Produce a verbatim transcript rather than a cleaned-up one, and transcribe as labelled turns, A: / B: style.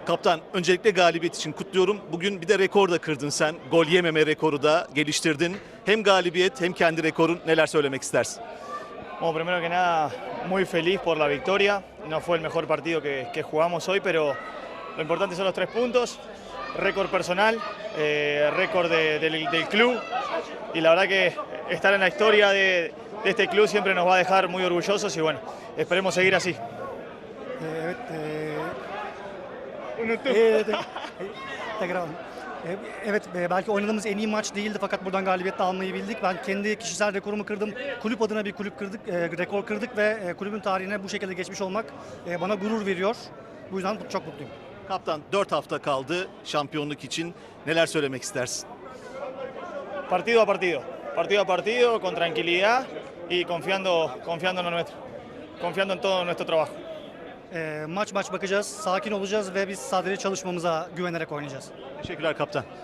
A: Kaptan, öncelikle galibiyet için kutluyorum. Bugün bir de rekor da kırdın sen. Gol yememe rekoru da geliştirdin. Hem galibiyet hem kendi rekorun, neler söylemek istersin?
B: Bueno, primero que nada, muy feliz por la victoria. No fue el mejor partido que, que jugamos hoy, pero lo importante son los tres puntos. Récord personal, eh, récord de- del, del club. Y la verdad que estar en la historia de, de este club siempre nos va a dejar muy orgullosos y bueno, esperemos seguir así.
C: Ee, Evet, ee,
B: Unuttum.
C: evet, evet. Tekrar alalım. Ee, Evet, e, belki oynadığımız en iyi maç değildi fakat buradan galibiyet de almayı bildik. Ben kendi kişisel rekorumu kırdım. Kulüp adına bir kulüp kırdık, e, rekor kırdık ve e, kulübün tarihine bu şekilde geçmiş olmak e, bana gurur veriyor. Bu yüzden çok mutluyum.
A: Kaptan, dört hafta kaldı şampiyonluk için. Neler söylemek istersin?
B: Partido a partido, partido a partido, con tranquilidad y confiando, confiando en lo nuestro, confiando en todo nuestro trabajo.
C: E, maç maç bakacağız, sakin olacağız ve biz sadece çalışmamıza güvenerek oynayacağız.
A: Teşekkürler kaptan.